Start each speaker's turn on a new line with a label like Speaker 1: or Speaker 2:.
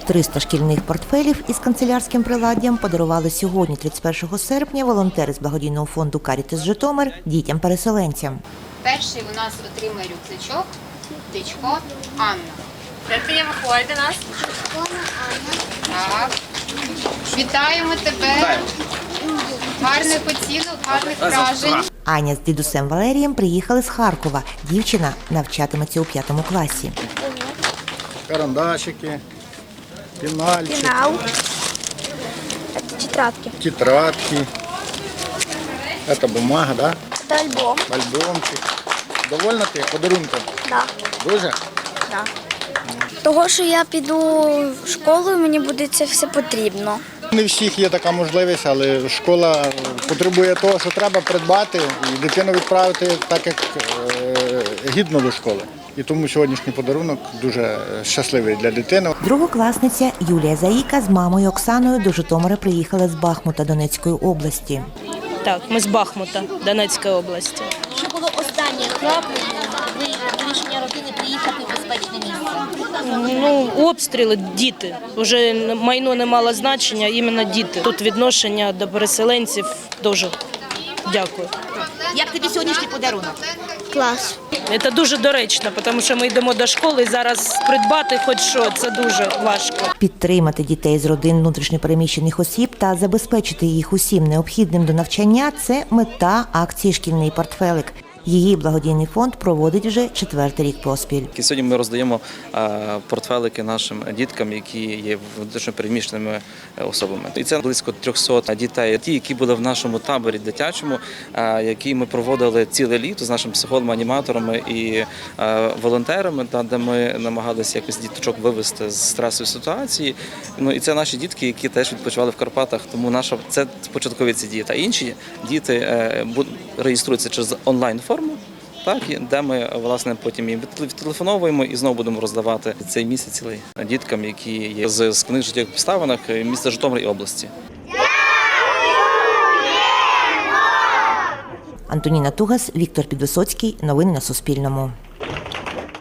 Speaker 1: 300 шкільних портфелів із канцелярським приладдям подарували сьогодні, 31 серпня, волонтери з благодійного фонду «Карітас Житомир» дітям-переселенцям.
Speaker 2: Перший у нас отримає рюкзачок Дичко Анна.
Speaker 3: Тепер виходить до нас.
Speaker 2: Так. Вітаємо тебе. Гарних оцінок, гарних вражень.
Speaker 1: Аня з дідусем Валерієм приїхали з Харкова. Дівчина навчатиметься у 5 класі.
Speaker 4: Карандашики, пенальчики,
Speaker 3: Пенал. Тетрадки.
Speaker 4: тетрадки. Это бумага, да?
Speaker 3: Це альбом.
Speaker 4: Альбомчик. Довольна ти подарунком?
Speaker 3: Да.
Speaker 4: Дуже?
Speaker 3: Да. Того, що я піду в школу, мені буде це все потрібно.
Speaker 4: Не в всіх є така можливість, але школа потребує того, що треба придбати і дитину відправити так, як гідно до школи. І тому сьогоднішній подарунок дуже щасливий для дитини.
Speaker 1: Другокласниця Юлія Заїка з мамою Оксаною до Житомира приїхали з Бахмута Донецької області.
Speaker 5: Так, ми з Бахмута, Донецької області.
Speaker 6: Що було останнє крапля рішення родини приїхати в безпечне місце?
Speaker 5: Ну, обстріли, діти. Вже майно не мало значення, іменно діти. Тут відношення до переселенців дуже дякую.
Speaker 6: Як тобі сьогоднішній подарунок?
Speaker 3: Клас.
Speaker 5: Це дуже доречно, тому що ми йдемо до школи і зараз придбати хоч що, це дуже важко.
Speaker 1: Підтримати дітей з родин внутрішньопереміщених осіб та забезпечити їх усім необхідним до навчання – це мета акції «Шкільний портфелик». Її благодійний фонд проводить вже 4-й рік поспіль.
Speaker 7: Сьогодні ми роздаємо портфелики нашим діткам, які є внутрішньопереміщеними особами. І це близько 300 дітей, ті, які були в нашому таборі дитячому, який ми проводили ціле літо з нашими психологами, аніматорами і волонтерами, де ми намагалися якось діточок вивести з стресової ситуації. Ну і це наші дітки, які теж відпочивали в Карпатах, тому це початкові ці діти. А інші діти реєструються через онлайн-форму, так, де ми, власне, потім їм відтелефоновуємо і знову будемо роздавати цей місяць цілий діткам, які є з книг життєвих обставинах міста Житомир і області.
Speaker 1: Антоніна Тугас, Віктор Підвисоцький. Новини на Суспільному.